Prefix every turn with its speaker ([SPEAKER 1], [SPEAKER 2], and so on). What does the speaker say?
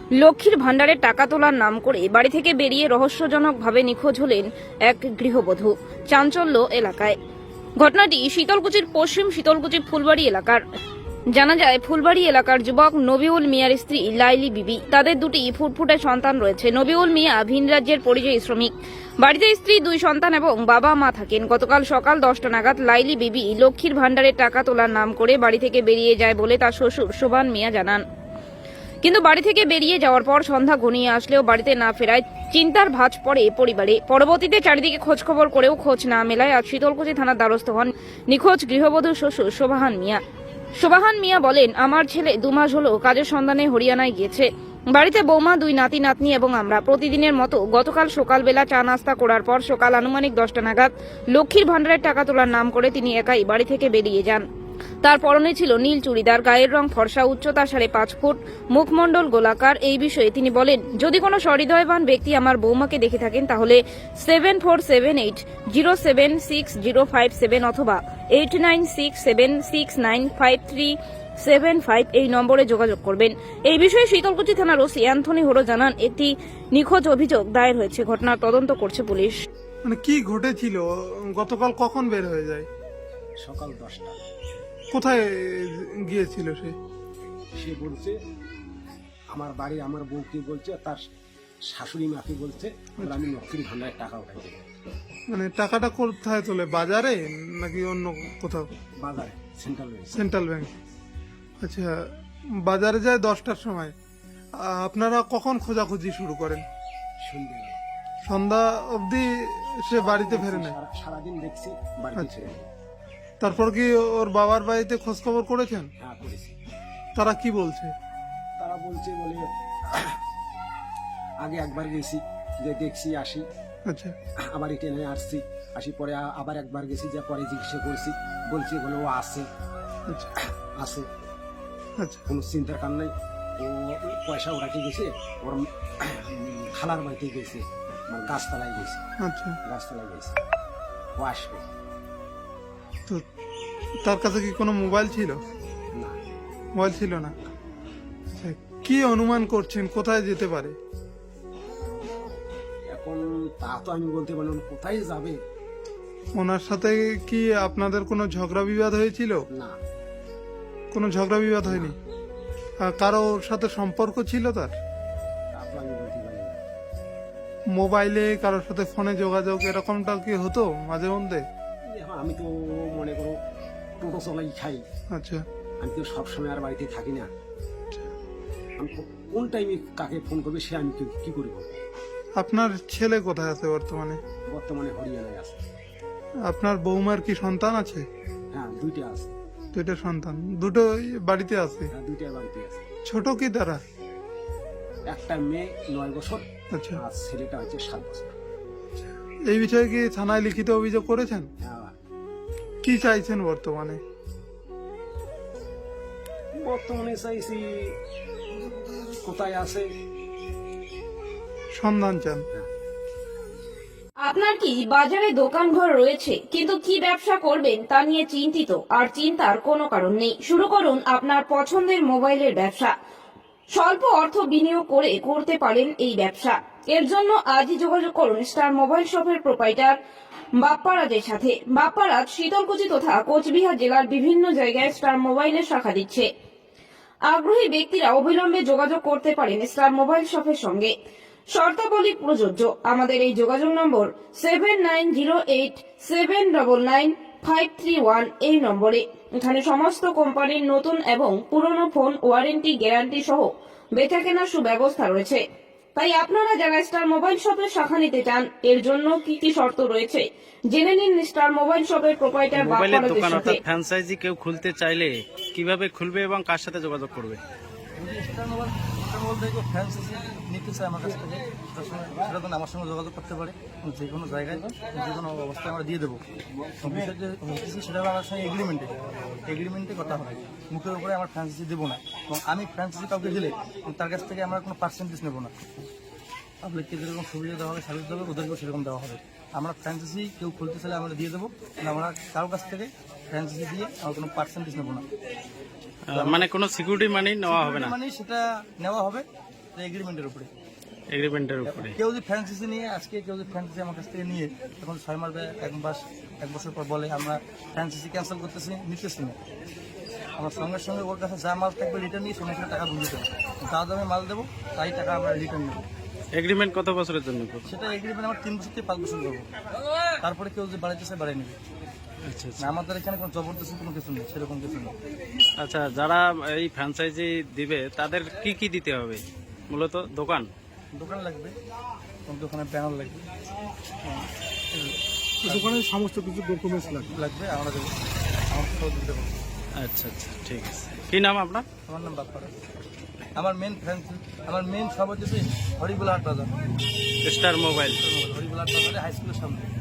[SPEAKER 1] লক্ষ্মীর ভাণ্ডারে টাকা তোলার নাম করে বাড়ি থেকে বেরিয়ে রহস্যজনকভাবে নিখোঁজ হলেন এক গৃহবধূ। চাঞ্চল্য এলাকায়। ঘটনাটি শীতলকুচির পশ্চিম শীতলকুচি ফুলবাড়ি এলাকার। জানা যায়, ফুলবাড়ি এলাকার যুবক নবিউল মিয়ার স্ত্রী লাইলি বিবি। তাদের দুটি ফুটফুটে সন্তান রয়েছে। নবিউল মিয়া ভিন রাজ্যের পরিযায়ী শ্রমিক। বাড়িতে স্ত্রী, দুই সন্তান এবং বাবা মা থাকেন। গতকাল সকাল 10টা নাগাদ লাইলি বিবি লক্ষ্মীর ভাণ্ডারে টাকা তোলার নাম করে বাড়ি থেকে বেরিয়ে যায় বলে তার শ্বশুর শোভান মিয়া জানান। কিন্তু বাড়ি থেকে বেরিয়ে যাওয়ার পর সন্ধ্যা ঘনিয়ে আসলেও বাড়িতে না ফেরায় চিন্তার ভাঁজ পড়ে পরিবারে। পরবর্তীতে চারিদিকে খোঁজখবর করেও খোঁজ না মেলায় আজ শীতলকুচি থানার দ্বারস্থ হন নিখোঁজ গৃহবধূ শ্বশুর শোভান মিয়া। শোভান মিয়া বলেন, আমার ছেলে 2 মাস হলো কাজের সন্ধানে হরিয়ানায় গিয়েছে। বাড়িতে বৌমা, 2 নাতি নাতনি এবং আমরা। প্রতিদিনের মতো গতকাল সকালবেলা চা নাস্তা করার পর সকাল আনুমানিক 10টা নাগাদ লক্ষ্মীর ভাণ্ডারের টাকা তোলার নাম করে তিনি একাই বাড়ি থেকে বেরিয়ে যান। তার পরনে ছিল নীল চুড়িদার, গায়ের রং ফর্সা, উচ্চতা 5.5 ফুট, মুখমণ্ডল গোলাকার। এই বিষয়ে তিনি বলেন, যদি কোনো সহৃদয়বান ব্যক্তি আমার বৌমাকে দেখে থাকেন তাহলে 7478076057 অথবা 8967695375 এই নম্বরে যোগাযোগ করবেন। এই বিষয়ে শীতলকুচি থানার ওসি অ্যান্থনি হোরো জানান, একটি নিখোঁজ অভিযোগ দায়ের হয়েছে। ঘটনার তদন্ত করছে পুলিশ।
[SPEAKER 2] মানে কি ঘটেছিল? গতকাল কখন বের হয়ে যায়?
[SPEAKER 3] সকাল 10টা।
[SPEAKER 2] কোথায় গিয়েছিল সে?
[SPEAKER 3] সে বলছে আমার বাড়ি, আমার বউকে বলছে, তার শাশুড়ি মাকে বলছে আমি লক্ষ্মীর ভাণ্ডারের টাকা উঠাই দেবো।
[SPEAKER 2] মানে টাকাটা কোথায় তোলে? বাজারে নাকি অন্য কোথাও?
[SPEAKER 3] বাজারে, সেন্ট্রাল ব্যাংক।
[SPEAKER 2] Central bank. আচ্ছা, বাজারে যায় 10টার সময়। আপনারা কখন খোঁজাখুঁজি শুরু করেন?
[SPEAKER 3] সন্ধ্যেবেলা।
[SPEAKER 2] সন্ধ্যা অবধি সে বাড়িতে ফেরে না?
[SPEAKER 3] সারাদিন দেখছি বাড়িতে
[SPEAKER 2] আচ্ছা।
[SPEAKER 3] ফেরে না।
[SPEAKER 2] তারপর কি ওর বাবার বাড়িতে খোঁজ খবর করেছেন?
[SPEAKER 3] হ্যাঁ, করেছি।
[SPEAKER 2] তারা কি বলছে?
[SPEAKER 3] তারা বলছে বলে আগে একবার গেছি, যে দেখছি আসি,
[SPEAKER 2] আচ্ছা
[SPEAKER 3] আবার ট্রেনে আসি পরে আবার একবার গেছি, যে পরে জিজ্ঞাসা করছি, বলছে বলে ও আসে
[SPEAKER 2] আচ্ছা
[SPEAKER 3] আসে,
[SPEAKER 2] আচ্ছা
[SPEAKER 3] কোনো চিন্তার কারণ নাই। ও পয়সা ওরাকে গেছে, ওর খালার বাড়িতে গেছে, মানে গাছতলায় গেছে,
[SPEAKER 2] আচ্ছা।
[SPEAKER 3] গাছতলায় গেছে, ও আসবে।
[SPEAKER 2] তো তার কাছে কি কোনো মোবাইল ছিল?
[SPEAKER 3] না,
[SPEAKER 2] মোবাইল ছিল না। আচ্ছা, কি অনুমান করছেন কোথায় যেতে পারে?
[SPEAKER 3] এখন তা তো আমি বলতে পারলাম না, কোথায় যাবে।
[SPEAKER 2] ওনার সাথে কি আপনাদের কোনো ঝগড়া বিবাদ হয়েছিল?
[SPEAKER 3] না,
[SPEAKER 2] কোনো ঝগড়া বিবাদ হয়নি? কারোর সাথে সম্পর্ক ছিল তার?
[SPEAKER 3] তা তো আমি বলতে পারি না।
[SPEAKER 2] মোবাইলে কারোর সাথে ফোনে যোগাযোগ এরকমটা কি হতো মাঝে মধ্যে?
[SPEAKER 3] এখন আমি তো মনে করো টোটো চলাই খাই,
[SPEAKER 2] আচ্ছা
[SPEAKER 3] আমি তো সবসময় আর বাড়িতে থাকি না। আমি কোন টাইমে কাকে ফোন করবে সে আমি কি করব।
[SPEAKER 2] আপনার ছেলে কোথায় আছে বর্তমানে?
[SPEAKER 3] বর্তমানে হরিয়ানায় আছে।
[SPEAKER 2] আপনার বৌমার কি সন্তান আছে?
[SPEAKER 3] হ্যাঁ, 2টা আছে।
[SPEAKER 2] 2টা সন্তান? দুটোই বাড়িতে আছে?
[SPEAKER 3] হ্যাঁ, 2টা বাড়িতে আছে।
[SPEAKER 2] ছোট কি তারা?
[SPEAKER 3] একটা মেয়ে 9 বছর,
[SPEAKER 2] আচ্ছা।
[SPEAKER 3] আর ছেলেটা হচ্ছে 7 বছর।
[SPEAKER 2] এই বিষয়ে কি থানায় লিখিত অভিযোগ করেছেন?
[SPEAKER 3] হ্যাঁ,
[SPEAKER 2] কি চাইছেন বর্তমানে?
[SPEAKER 3] বর্তমানে চাইছি কোথায় আছে
[SPEAKER 2] সন্ধান চান।
[SPEAKER 1] আপনার কি বাজারে দোকানঘর রয়েছে কিন্তু কি ব্যবসা করবেন তা নিয়ে চিন্তিত? আর চিন্তার কোনো কারণ নেই। শুরু করুন আপনার পছন্দের মোবাইলের ব্যবসা। স্বল্প অর্থ বিনিয়োগ করে করতে পারেন এই ব্যবসা। এর জন্য আজই যোগাযোগ করুন স্টার মোবাইল শপের প্রোপাইটার বাপ্পারাজের সাথে। বাপ্পারাজ শীতলকুচি তথা কোচবিহার জেলার বিভিন্ন জায়গায় স্টার মোবাইলের শাখা দিচ্ছে। আগ্রহী ব্যক্তিরা অবিলম্বে যোগাযোগ করতে পারেন স্টার মোবাইল শপের সঙ্গে। শর্তাবলী প্রযোজ্য। আমাদের এই যোগাযোগ নম্বর 7908799531 এই নম্বরে। এখানে সমস্ত কোম্পানির নতুন এবং পুরনো ফোন ওয়ারেন্টি গ্যারান্টি সহ বেচাকেনার সুব্যবস্থা রয়েছে। তাই আপনারা যারা স্টার মোবাইল শপের শাখা নিতে চান, এর জন্য কি কি শর্ত রয়েছে জেনে নিন স্টার মোবাইল শপের প্রোপাইটার
[SPEAKER 4] মোবাইলের
[SPEAKER 1] বাপ্পারাজের
[SPEAKER 4] দোকান
[SPEAKER 1] সাথে।
[SPEAKER 4] অর্থাৎ ফ্র্যাঞ্চাইজি কেউ খুলতে চাইলে কিভাবে খুলবে এবং কার সাথে যোগাযোগ করবে?
[SPEAKER 5] স্টার মোবাইল থেকে ফ্র্যাঞ্চাইজি নিতে চাই আমার কাছ থেকে, সেটা তো আমার সঙ্গে যোগাযোগ করতে পারে। যে কোনো জায়গায় যে কোনো অবস্থায় আমরা দিয়ে দেবো। বিষয় যে হচ্ছে সেটা আমার সঙ্গে এগ্রিমেন্টে কথা হবে। মুখের উপরে আমার ফ্র্যাঞ্চাইজি দেবো না, এবং আমি ফ্র্যাঞ্চাইজি কাউকে দিলে তার কাছ থেকে আমরা কোনো পার্সেন্টেজ নেবো না। পাবলিককে যেরকম সুবিধা দেওয়া হবে, সার্ভিস দেওয়া হবে, ওদেরকেও সেরকম দেওয়া হবে। আমরা ফ্র্যাঞ্চাইজি কেউ খুলতে চাইলে আমরা দিয়ে দেবো, আমরা কারোর কাছ থেকে ফ্র্যাঞ্চাইজি দিয়ে আমরা কোনো পার্সেন্টেজ নেবো না।
[SPEAKER 4] মানে কোনো সিকিউরিটি মানি নেওয়া হবে না?
[SPEAKER 5] মানে সেটা নেওয়া হবে, এগ্রিমেন্টের উপরে।
[SPEAKER 4] এগ্রিমেন্টের উপরে।
[SPEAKER 5] কেউ যদি ফ্র্যাঞ্চাইজি নিয়ে আজকে কেউ যদি ফ্র্যাঞ্চাইজি আমার কাছ থেকে নিয়ে তখন 6 মাস বা 1 বছর পর বলে আমরা ফ্র্যাঞ্চাইজি ক্যান্সেল করতেছি, নিতেছি না, আমার সঙ্গে সঙ্গে ওর কাছে যা মাল থাকবে রিটার্ন নিয়ে সঙ্গে সঙ্গে টাকা বুঝে দেবো, যা দামে মাল দেবো তাই টাকা আমরা রিটার্ন নেবো।
[SPEAKER 4] এগ্রিমেন্ট কত বছরের জন্য করছে?
[SPEAKER 5] সেটা এগ্রিমেন্ট আমার 3 বছর থেকে 5 বছর করবো, তারপরে কেউ যদি বাড়াইতেছে বাড়াই নেবে।
[SPEAKER 4] আচ্ছা আচ্ছা।
[SPEAKER 5] না, আমাদের এখানে কোনো জবরদস্তি কোনো কিছু নেই, সেরকম কিছু নেই।
[SPEAKER 4] আচ্ছা, যারা এই ফ্র্যাঞ্চাইজি দিবে তাদের কি কি দিতে হবে? মূলত দোকান
[SPEAKER 5] দোকান লাগবে, দোকানের ব্যানার লাগবে,
[SPEAKER 2] দোকানের সমস্ত কিছু ডকুমেন্টস লাগবে।
[SPEAKER 5] লাগবে আমরা দেবো, আমার সব দিতে পারবো।
[SPEAKER 4] আচ্ছা আচ্ছা, ঠিক আছে। কি নাম আপনার?
[SPEAKER 5] আমার নাম বাপ্পা রায়। আমার মেন সব হচ্ছে হরিগুলা হাট বাজার,
[SPEAKER 4] স্টার মোবাইল।
[SPEAKER 5] হরিগুলা হাট বাজারে হাই স্কুলের সামনে।